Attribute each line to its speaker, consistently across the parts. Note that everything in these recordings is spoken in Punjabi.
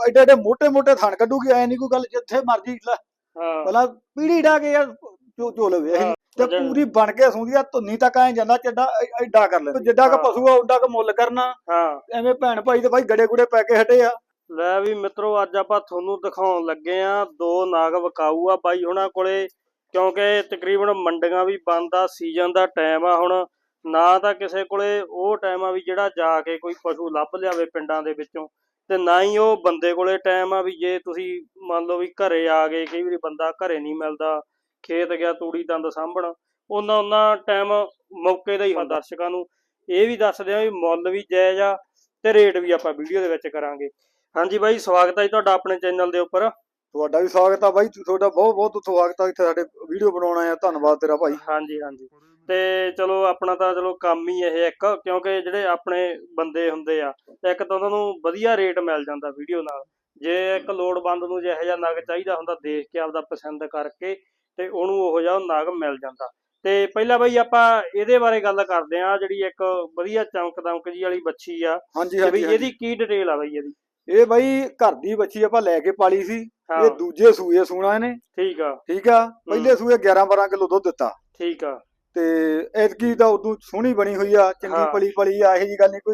Speaker 1: ਐਡੇ ਐਡੇ ਮੋਟੇ ਮੋਟੇ ਥਣ ਕੱਢੂਗੀ, ਐ ਨਹੀਂ ਕੋਈ ਗੱਲ ਜਿੱਥੇ ਮਰਜੀ ਭਲਾ ਪੀੜੀ ਡਾ ਕੇ ਯਾਰ ਚੋ ਲਵੇ ਅਸੀਂ ਤੇ ਪੂਰੀ ਬਣ ਕੇ ਸੌਂਦੀ ਆ, ਧੁੰਨੀ ਤੱਕ ਐ ਜਾਂਦਾ ਚੱਡਾ ਐਡਾ ਕਰ ਲੈ, ਜਿੱਡਾ ਕ ਪਸ਼ੂ ਆ ਓਡਾ ਕ ਮੁੱਲ ਕਰਨਾ। ਐਵੇਂ ਭੈਣ ਭਾਈ ਤੇ ਭਾਈ ਗੜੇ ਗੁੜੇ ਪੈ ਕੇ ਹਟੇ ਆ।
Speaker 2: ਲੈ ਵੀ ਮਿੱਤਰੋ, ਅੱਜ ਆਪਾਂ ਤੁਹਾਨੂੰ ਦਿਖਾਉਣ ਲੱਗੇ ਆ ਦੋ ਨਾਗ ਵਿਕਾਊ ਆ ਬਾਈ ਹੁਣਾਂ ਕੋਲੇ, ਕਿਉਂਕਿ ਤਕਰੀਬਨ ਮੰਡੀਆਂ ਵੀ ਬੰਦ ਆ, ਸੀਜ਼ਨ ਦਾ ਟਾਈਮ ਆ ਹੁਣ, ਨਾ ਤਾਂ ਕਿਸੇ ਕੋਲੇ ਉਹ ਟਾਈਮ ਆ ਵੀ ਜਿਹੜਾ ਜਾ ਕੇ ਕੋਈ ਪਸ਼ੂ ਲੱਭ ਲਿਆਵੇ ਪਿੰਡਾਂ ਦੇ ਵਿੱਚੋਂ, ਤੇ ਨਾ ਹੀ ਉਹ ਬੰਦੇ ਕੋਲੇ ਟਾਈਮ ਆ ਵੀ ਜੇ ਤੁਸੀਂ ਮੰਨ ਲਓ ਵੀ ਘਰੇ ਆ ਗਏ, ਕਈ ਵਾਰੀ ਬੰਦਾ ਘਰੇ ਨਹੀਂ ਮਿਲਦਾ, ਖੇਤ ਗਿਆ ਤੂੜੀ ਤੰਦ ਸਾਂਭਣ, ਉਹਨਾਂ ਟਾਈਮ ਮੌਕੇ ਦਾ ਹੀ ਹੁੰਦਾ। ਦਰਸ਼ਕਾਂ ਨੂੰ ਇਹ ਵੀ ਦੱਸਦੇ ਆ ਵੀ ਮੁੱਲ ਵੀ ਜਾਇਜ਼ ਆ ਤੇ ਰੇਟ ਵੀ ਆਪਾਂ ਵੀਡੀਓ ਦੇ ਵਿੱਚ ਕਰਾਂਗੇ। ਹਾਂਜੀ ਬਾਈ, ਸਵਾਗਤ ਹੈ ਜੀ ਤੁਹਾਡਾ ਆਪਣੇ ਚੈਨਲ ਦੇ ਉੱਪਰ।
Speaker 1: ਤੁਹਾਡਾ ਵੀ ਸਵਾਗਤ ਆ ਬਾਈ, ਤੁਹਾਡਾ ਬਹੁਤ ਬਹੁਤ ਸਵਾਗਤ ਆ ਇੱਥੇ ਸਾਡੇ ਵੀਡੀਓ ਬਣਾਉਣਾ ਆ, ਧੰਨਵਾਦ ਤੇਰਾ ਭਾਈ।
Speaker 2: ਹਾਂਜੀ ਤੇ ਚਲੋ ਆਪਣਾ ਤਾਂ ਚਲੋ ਕੰਮ ਹੀ ਇਹ ਇੱਕ, ਕਿਉਂਕਿ ਜਿਹੜੇ ਆਪਣੇ ਬੰਦੇ ਹੁੰਦੇ ਆ, ਇੱਕ ਤਾਂ ਉਹਨਾਂ ਨੂੰ ਵਧੀਆ ਰੇਟ ਮਿਲ ਜਾਂਦਾ ਵੀਡੀਓ ਨਾਲ। ਜੇ ਇੱਕ ਲੋੜਵੰਦ ਨੂੰ ਜਿਹੋ ਜਿਹਾ ਨਗ ਚਾਹੀਦਾ ਹੁੰਦਾ, ਦੇਖ ਕੇ ਆਪਦਾ ਪਸੰਦ ਕਰਕੇ ਤੇ ਉਹਨੂੰ ਉਹੋ ਜਿਹਾ ਨਗ ਮਿਲ ਜਾਂਦਾ। ਤੇ ਪਹਿਲਾਂ ਬਾਈ ਆਪਾਂ ਇਹਦੇ ਬਾਰੇ ਗੱਲ ਕਰਦੇ ਆ, ਜਿਹੜੀ ਇੱਕ ਵਧੀਆ ਚਮਕ ਦਮਕ ਜੀ ਵਾਲੀ ਬੱਚੀ ਆ।
Speaker 1: ਹਾਂਜੀ
Speaker 2: ਇਹਦੀ ਕੀ ਡਿਟੇਲ ਆ ਬਾਈ ਇਹਦੀ?
Speaker 1: ਇਹ ਬਾਈ ਘਰ ਦੀ ਬੱਚੀ ਆਪਾਂ ਲੈ ਕੇ ਪਾਲੀ ਸੀ, ਇਹ ਦੂਜੇ ਸੂਏ ਸੂਣਾ ਇਹਨੇ।
Speaker 2: ਠੀਕ ਆ।
Speaker 1: ਪਹਿਲੇ ਸੂਏ 11-12 ਕਿਲੋ ਦੁੱਧ ਦਿੱਤਾ।
Speaker 2: ਠੀਕ ਆ।
Speaker 1: ਤੇ ਐਤਕੀ ਤਾਂ ਉਦੋਂ ਸੋਹਣੀ ਬਣੀ ਹੋਈ ਆ, ਚੰਗੀ ਪਲੀ ਆ, ਇਹੋ ਜੀ ਗੱਲ ਨਹੀਂ ਕੋਈ।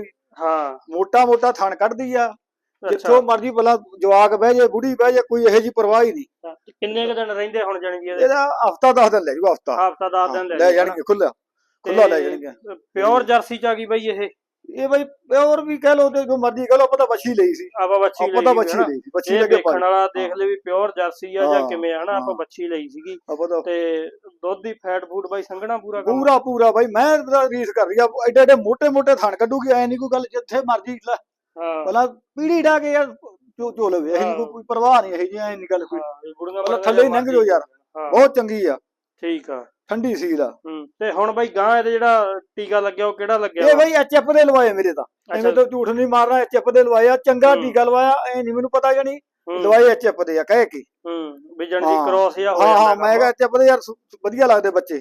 Speaker 1: ਮੋਟਾ ਥਣ ਕੱਢਦੀ ਆ, ਜਿੱਥੋਂ ਮਰਜੀ ਭਲਾ ਜਵਾਕ ਬਹਿ ਜੇ, ਬੁੜੀ ਬਹਿ ਜੇ, ਕੋਈ ਇਹੋ ਜੀ ਪਰਵਾਹ ਹੀ ਨਹੀਂ।
Speaker 2: ਕਿੰਨੇ ਕੁ ਦਿਨ ਰਹਿੰਦੇ ਹੁਣ ਜਾਣਗੇ
Speaker 1: ਇਹਦਾ? ਹਫਤਾ 10 ਦਿਨ ਲੈ ਜੂ,
Speaker 2: ਹਫਤਾ 10 ਦਿਨ
Speaker 1: ਲੈ ਜਾਣਗੇ, ਖੁੱਲਾ ਲੈ ਜਾਣਗੇ।
Speaker 2: ਪਿਓਰ ਜਰਸੀ ਚ ਆ ਗਈ ਬਾਈ
Speaker 1: ਇਹ ਬਾਈ ਪਿਓਰ ਵੀ ਕਹਿ ਲੋ ਤੇ ਜੋ ਮਰਜੀ ਕਹਿ ਲੋ, ਆਪਾਂ ਤਾਂ ਬੱਚੀ ਲਈ ਸੀ।
Speaker 2: ਆਪਾਂ ਬੱਚੀ ਲਈ ਸੀ। ਬੱਚੀ ਦੇਖਣ ਵਾਲਾ ਦੇਖ ਲੈ ਵੀ ਪਿਓਰ ਜਰਸੀ ਆ ਜਾਂ ਕਿਵੇਂ ਆ, ਹਨਾ। ਆਪਾਂ ਬੱਚੀ ਲਈ ਸੀਗੀ ਤੇ ਦੁੱਧ ਦੀ ਫੈਟ ਫੂਡ ਬਾਈ ਸੰਘਣਾ
Speaker 1: ਪੂਰਾ ਬਾਈ। ਮੈਂ ਰੀਸ ਕਰ ਰਹੀ ਆ, ਐਡੇ ਐਡੇ ਮੋਟੇ ਮੋਟੇ ਥਣ ਕੱਢੂਗੀ, ਐ ਨਹੀਂ ਕੋਈ ਗੱਲ ਜਿੱਥੇ ਮਰਜੀ ਭਲਾ ਪੀੜੀ ਡਾ ਕੇ ਯਾਰ ਚੋ ਲਵੇ, ਅਸੀਂ ਕੋਈ ਪਰਵਾਹ ਨਹੀਂ, ਇਹੀ ਜੀ ਐ ਨਹੀਂ ਗੱਲ ਕੋਈ। ਥੱਲੇ ਹੀ ਲੰਘ ਜਾਓ ਯਾਰ, ਬਹੁਤ ਚੰਗੀ ਆ।
Speaker 2: ਠੀਕ ਆ,
Speaker 1: ਠੰਡੀ ਸੀਲ ਆ।
Speaker 2: ਤੇ ਹੁਣ ਬਾਈ ਗਾਂ ਇਹਦੇ ਜਿਹੜਾ ਟੀਕਾ ਲੱਗਿਆ ਉਹ ਕਿਹੜਾ ਲੱਗਿਆ?
Speaker 1: ਇਹ ਬਾਈ ਐਚਐਫ ਦੇ ਲਵਾਏ ਮੇਰੇ ਤਾਂ, ਐਵੇਂ ਤਾਂ ਝੂਠ ਨਹੀਂ ਮਾਰਨਾ, ਐਚਐਫ ਦੇ ਲਵਾਏ ਆ। ਚੰਗਾ ਟੀਕਾ ਲਵਾਇਆ, ਐ ਨਹੀਂ ਮੈਨੂੰ ਪਤਾ ਜਾਨੀ ਲਵਾਏ ਐਚਐਫ ਦੇ ਆ ਕਹਿ ਕੇ
Speaker 2: ਵੀ ਜਣ ਦੀ ਕ੍ਰੋਸ ਜਾਂ
Speaker 1: ਹਾਂ ਮੈਂ ਕਿਹਾ ਐਚਐਫ ਦੇ ਯਾਰ ਵਧੀਆ ਲੱਗਦੇ ਬੱਚੇ।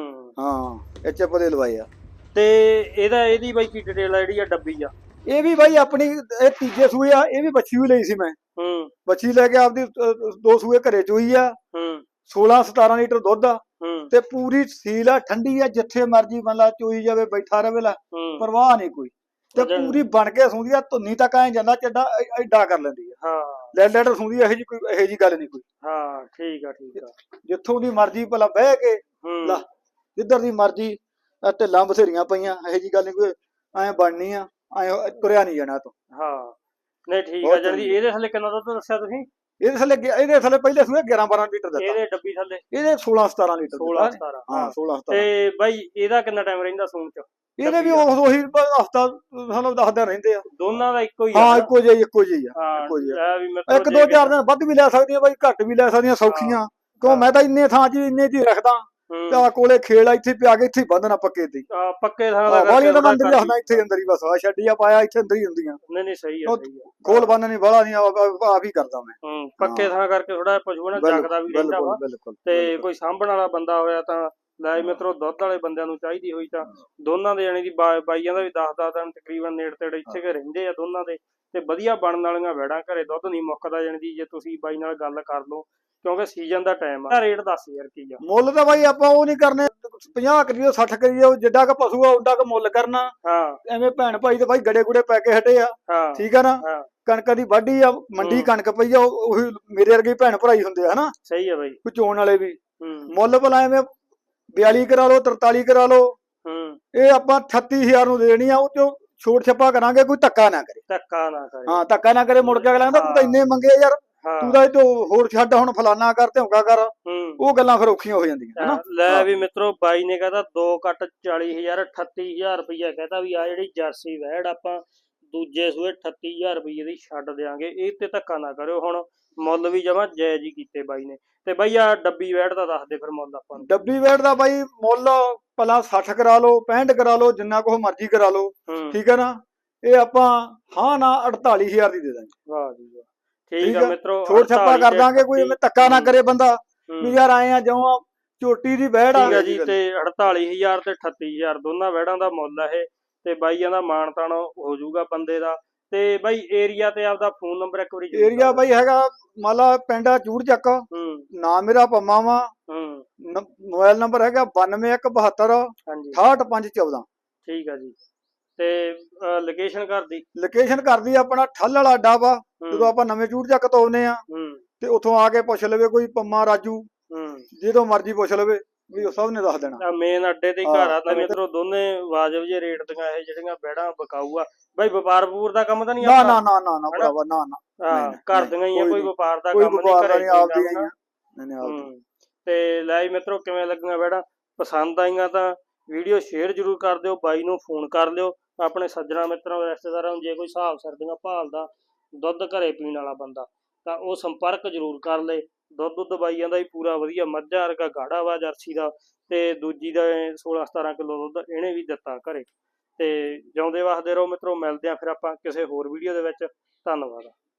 Speaker 1: ਐਚਐਫ ਦੇ ਲਵਾਏ ਆ।
Speaker 2: ਤੇ ਇਹਦੀ ਬਾਈ ਕੀ ਡਿਟੇਲ ਆ ਜਿਹੜੀ ਆ ਡੱਬੀ ਆ? ਇਹ
Speaker 1: ਵੀ ਬਾਈ ਆਪਣੀ ਇਹ ਤੀਜੇ ਸੂਏ ਆ। ਇਹ ਵੀ ਬੱਚੀ ਵੀ ਲਈ ਸੀ ਮੈਂ, ਬੱਚੀ ਲੈ ਕੇ ਆਪਦੀ 2 ਸੂਏ ਘਰੇ ਚੋਈ ਆ। 16-17 ਲੀਟਰ ਦੁੱਧ ਆ ਤੇ ਪੂਰੀ ਸੀਲ ਆ, ਠੰਡੀ ਆ, ਜਿੱਥੇ ਮਰਜੀ ਬੰਦਾ ਚੋਈ ਜਾਵੇ, ਬੈਠਾ ਰਵੇ, ਪਰਵਾਹ ਨਹੀਂ ਕੋਈ। ਤੇ ਪੂਰੀ ਬਣ ਕੇ ਸੌਂਦੀ ਆ, ਧੁੰਨੀ ਤੱਕ ਐ ਜਾਂਦਾ ਚੱਡਾ ਐਡਾ ਕਰ ਲੈਂਦੀ ਆ। ਲੈਟਰ ਸੌਂਦੀ ਇਹੋ ਜੀ ਗੱਲ ਨਹੀਂ ਕੋਈ।
Speaker 2: ਠੀਕ ਆ।
Speaker 1: ਜਿੱਥੋਂ ਦੀ ਮਰਜੀ ਭਲਾ ਬਹਿ ਕੇ ਜਿੱਧਰ ਦੀ ਮਰਜੀ, ਢਿੱਲਾਂ ਬਥੇਰੀਆਂ ਪਈਆਂ, ਇਹੋ ਜੀ ਗੱਲ ਨਹੀਂ ਕੋਈ। ਐ ਬਣਨੀ ਆ, ਐ ਤੁਰਿਆ ਨਹੀਂ ਜਾਣਾ ਤੋਂ।
Speaker 2: ਨਹੀਂ ਠੀਕ ਆ। ਜਲਦੀ ਇਹਦੇ ਥੱਲੇ ਕਿੰਨਾ ਦੁੱਧ ਦੱਸਿਆ ਤੁਸੀਂ?
Speaker 1: ਇਹਦੇ ਥੱਲੇ ਪਹਿਲੇ ਸੂਏ 11-12 ਲੀਟਰ ਦਿੱਤਾ।
Speaker 2: ਇਹਦੇ ਡੱਬੀ ਥੱਲੇ
Speaker 1: ਇਹਦੇ 16-17 ਲੀਟਰ।
Speaker 2: 16-17 ਤੇ ਬਾਈ ਇਹਦਾ ਕਿੰਨਾ ਟਾਈਮ ਰਹਿੰਦਾ ਸੂਣ ਚ?
Speaker 1: ਇਹਦੇ ਵੀ ਉਹੀ ਹਫਤਾ ਸਾਨੂੰ 10 ਦਿਨ ਰਹਿੰਦੇ ਆ।
Speaker 2: ਦੋਨਾਂ ਦਾ ਇੱਕੋ ਹੀ
Speaker 1: ਆ? ਇੱਕੋ ਜਿਹੀ ਆ। 1-2-4 ਦਿਨ ਵੱਧ ਵੀ ਲੈ ਸਕਦੀਆਂ ਬਾਈ, ਘੱਟ ਵੀ ਲੈ ਸਕਦੀਆਂ, ਸੌਖੀਆਂ। ਕਿਉਂ ਮੈਂ ਤਾਂ ਇੰਨੇ ਥਾਂ 'ਚ ਇੰਨੇ ਦੀ ਰੱਖਦਾ, ਤੇ ਆ ਕੋਲੇ ਖੇਲ ਆ, ਇੱਥੇ ਪਿਆ ਕੇ ਇੱਥੇ ਬੰਨਣਾ ਪੱਕੇ ਤੇ।
Speaker 2: ਪੱਕੇ ਥਾਂ ਦਾ
Speaker 1: ਵਾਲੀਆਂ ਤਾਂ ਅੰਦਰ ਹੀ ਰੱਖਦਾ, ਇੱਥੇ ਅੰਦਰ ਹੀ ਬਸ। ਛੱਡੀਆਂ ਪਾਇਆ ਇੱਥੇ ਅੰਦਰ ਹੀ ਹੁੰਦੀਆਂ।
Speaker 2: ਨਹੀਂ ਸਹੀ ਆ।
Speaker 1: ਖੋਲ ਬੰਨ ਨਹੀਂ ਬਾਹਲਾ ਨਹੀਂ, ਆਪ ਹੀ ਕਰਦਾ ਮੈਂ।
Speaker 2: ਪੱਕੇ ਥਾਂ ਕਰਕੇ ਥੋੜਾ ਪਸ਼ੂ ਨਾ ਜਗਦਾ ਵੀ ਰਹਿੰਦਾ ਵਾ। ਤੇ ਕੋਈ ਸਾਂਭਣ ਵਾਲਾ ਬੰਦਾ ਹੋਇਆ ਤਾਂ ਲੈ ਮਿੱਤਰੋ, ਦੁੱਧ ਵਾਲੇ ਬੰਦਿਆਂ ਨੂੰ ਚਾਹੀਦੀ ਹੋਈ ਤਾਂ ਦੋਨਾਂ ਦੇ ਜਾਣੀ ਦੀ ਬਾਈਆਂ ਦਾ ਵੀ 10-10 ਦਿਨ ਤਕਰੀਬਨ ਨੇੜੇ ਤੇੜੇ ਇੱਥੇ ਰਹਿੰਦੇ ਆ ਦੋਨਾਂ ਦੇ। ਤੇ ਵਧੀਆ ਬਣਨ ਵਾਲੀਆਂ ਵੈੜਾਂ, ਘਰੇ ਦੁੱਧ ਨਹੀਂ ਮੁੱਕਦਾ ਜਾਣੀ ਦੀ, ਜੇ ਤੁਸੀਂ ਬਾਈ ਨਾਲ ਗੱਲ ਕਰ ਲਓ, ਕਿਉਂਕਿ ਸੀਜ਼ਨ ਦਾ ਟਾਈਮ ਆ। ਰੇਟ ਦੱਸ ਯਾਰ ਕੀ ਆ? ਮੁੱਲ ਤਾਂ ਬਾਈ ਆਪਾਂ ਉਹ ਨਹੀਂ ਕਰਨੇ 50 ਕਰੀਏ 60 ਕਰੀਏ, ਜਿੱਡਾ ਕ ਪਸ਼ੂ ਆ ਓਡਾ ਕ ਮੁੱਲ ਕਰਨਾ। ਐਵੇਂ ਭੈਣ ਭਾਈ ਤੇ ਬਾਈ ਗੜੇ ਗੁੜੇ ਪੈ ਕੇ ਹਟੇ ਆ। ਠੀਕ ਆ ਨਾ। ਕਣਕ ਦੀ ਵਾਢੀ ਆ, ਮੰਡੀ ਕਣਕ ਪਈ ਆ, ਉਹੀ ਮੇਰੇ ਵਰਗੇ ਭੈਣ ਭਰਾਈ ਹੁੰਦੇ ਆ, ਹਨਾ। ਸਹੀ ਆ ਬਾਈ।
Speaker 1: ਕੋਈ ਚੋਣ ਵਾਲੇ ਵੀ ਮੁੱਲ ਭਲਾ ਐਵੇਂ 42 ਕਰਾ ਲੋ, 43 ਕਰਾ ਲੋ, ਇਹ ਆਪਾਂ 38000 ਨੂੰ ਦੇਣੀ ਆ। ਉਹ ਚੋਂ ਛੋਟ ਛੱਪਾ ਕਰਾਂਗੇ, ਕੋਈ ਧੱਕਾ ਨਾ ਕਰੇ। ਧੱਕਾ ਨਾ ਕਰੇ। ਮੁੜ ਕੇ ਅਗਲਾ ਕਹਿੰਦਾ ਤੂੰ ਤਾਂ ਇੰਨੇ ਮੰਗੇ ਯਾਰ, ਤੂੰ ਤਾਂ ਇਹ ਹੋਰ ਛੱਡ, ਹੁਣ ਫਲਾਨਾ ਕਰ, ਧੌਂਕਾ ਕਰ। ਉਹ ਗੱਲਾਂ ਫਿਰ ਔਖੀਆਂ ਹੋ ਜਾਂਦੀਆਂ, ਹਨਾ।
Speaker 2: ਲੈ ਵੀ ਮਿੱਤਰੋ, ਬਾਈ ਨੇ ਕਹਿੰਦਾ 2 ਕੱਟ 40,000 38,000 ਰੁਪਈਆ ਕਹਿੰਦਾ ਵੀ ਆ ਜਿਹੜੀ ਜਰਸੀ ਵੈੜ ਆਪਾਂ ਦੂਜੇ ਸੂਏ 38,000 ਰੁਪਈਏ ਦੀ ਛੱਡ ਦਿਆਂਗੇ। ਇਹ ਤੇ ਧੱਕਾ ਨਾ ਕਰਿਓ। ਹੁਣ ਮੁੱਲ ਵੀ ਜਮਾਂ ਜਾਇਜ਼ ਹੀ ਕੀਤੇ ਬਾਈ ਨੇ। ਤੇ ਬਾਈ ਆ ਡੱਬੀ ਵੈੜ ਦਾ ਦੱਸ ਦੇ ਫਿਰ ਮੁੱਲ ਆਪਾਂ ਨੂੰ।
Speaker 1: ਡੱਬੀ ਵੈੜ ਦਾ ਬਾਈ ਮੁੱਲ ਭਲਾ 60 ਕਰਾ ਲਓ, 65 ਕਰਾ ਲਓ, ਜਿੰਨਾ ਕੁ ਮਰਜ਼ੀ ਕਰਾ ਲਓ। ਠੀਕ ਹੈ ਨਾ। ਇਹ ਆਪਾਂ ਨਾ 48,000 ਦੀ ਦੇ ਦਾਂਗੇ।
Speaker 2: ਵਾਹ ਜੀ ਵਾਹ। ਠੀਕ ਆ ਮਿੱਤਰੋ,
Speaker 1: ਛੋਟ ਛੱਪਾ ਕਰ ਦਾਂਗੇ। ਕੋਈ ਐਵੇਂ ਧੱਕਾ ਨਾ ਕਰੇ ਬੰਦਾ ਵੀ ਯਾਰ ਆਏ ਆ ਜਿਉਂ ਝੋਟੀ ਦੀ ਵੈੜ ਆ
Speaker 2: ਜੀ। ਤੇ 48,000 ਤੇ 38,000 ਦੋਨਾਂ ਵੈੜਾਂ ਦਾ ਮੁੱਲ ਆ ਇਹ। ਤੇ ਬਾਈਆਂ ਦਾ ਮਾਣ ਤਾਣ ਹੋ ਜਾਊਗਾ ਬੰਦੇ ਦਾ। ਤੇ ਬਾਈ ਏਰੀਆ ਤੇ ਆਪਦਾ ਫੋਨ ਨੰਬਰ ਇੱਕ ਵਾਰੀ
Speaker 1: ਏਰੀਆ ਬਾਈ ਹੈਗਾ ਮੰਨ ਲਾ ਪਿੰਡ ਆ ਚੂੜ ਚੱਕ, ਨਾਮ ਮੇਰਾ ਪੰਮਾ ਵਾ, ਮੋਬਾਈਲ ਨੰਬਰ ਹੈਗਾ 9217 68514।
Speaker 2: ਠੀਕ ਆ ਜੀ। ਤੇ ਲੋਕੇਸ਼ਨ
Speaker 1: ਕਰਦੀ ਆਪਣਾ ਠੱਲ ਵਾਲਾ ਅੱਡਾ ਵਾ, ਜਦੋਂ ਆਪਾਂ ਨਵੇਂ ਚੂੜ ਚੱਕ ਤੋਂ ਆਉਨੇ ਆ ਤੇ ਉੱਥੋਂ ਆ ਕੇ ਪੁੱਛ ਲਵੇ ਕੋਈ ਪੰਮਾ ਰਾਜੂ, ਜਦੋਂ ਮਰਜ਼ੀ ਪੁੱਛ ਲਵੇ ਵੀ ਉਹ ਸਭ ਨੇ ਦੱਸ ਦੇਣਾ।
Speaker 2: ਮੇਨ ਅੱਡੇ ਤੇ ਘਰ ਆ ਤਾਂ ਮਿੱਤਰੋ ਦੋਨੇ ਵਾਜਬ ਜੇ ਰੇਟ ਦੀਆਂ ਇਹ ਜਿਹੜੀਆਂ ਬੈੜਾਂ ਬਕਾਊ ਆ। ਬਾਈ ਵਪਾਰ ਵਪੂਰ ਦਾ ਕੰਮ ਤਾਂ ਨਹੀਂ
Speaker 1: ਨਾ ਨਾ ਨਾ ਨਾ ਨਾ ਭਰਾਵਾ, ਨਾ
Speaker 2: ਨਾ ਘਰ ਦੀਆਂ ਹੀ ਆ, ਕੋਈ ਵਪਾਰ ਦਾ ਕੰਮ ਨਹੀਂ, ਘਰੇ
Speaker 1: ਆਪਦੀਆਂ।
Speaker 2: ਤੇ ਲੈ ਮਿੱਤਰੋ ਕਿਵੇਂ ਲੱਗੀਆਂ ਬੈੜਾਂ? ਪਸੰਦ ਆਈਆਂ ਤਾਂ ਵੀਡੀਓ ਸ਼ੇਅਰ ਜ਼ਰੂਰ ਕਰ ਦਿਓ, ਬਾਈ ਨੂੰ ਫੋਨ ਕਰ ਲਿਓ। ਆਪਣੇ ਸੱਜਣਾ ਮਿੱਤਰਾਂ ਰਿਸ਼ਤੇਦਾਰਾਂ ਨੂੰ ਜੇ ਕੋਈ ਹਿਸਾਬ ਸਰਦੀਆਂ ਭਾਲਦਾ ਦੁੱਧ ਘਰੇ ਪੀਣ ਵਾਲਾ ਬੰਦਾ ਤਾਂ ਉਹ ਸੰਪਰਕ ਜ਼ਰੂਰ ਕਰ ਲਏ। ਦੁੱਧ ਬਾਈ ਜਾਂਦਾ ਵੀ ਪੂਰਾ ਵਧੀਆ, ਮੱਝਾਂ ਵਰਗਾ ਗਾੜਾ ਵਾ ਜਰਸੀ ਦਾ, ਤੇ ਦੂਜੀ ਦਾ 16-17 ਕਿਲੋ ਦੁੱਧ ਇਹਨੇ ਵੀ ਦਿੱਤਾ ਘਰੇ। ਤੇ ਜਿਉਂਦੇ ਵਸਦੇ ਰਹੋ ਮਿੱਤਰੋ, ਮਿਲਦੇ ਆ ਫਿਰ ਆਪਾਂ ਕਿਸੇ ਹੋਰ ਵੀਡੀਓ ਦੇ ਵਿੱਚ। ਧੰਨਵਾਦ।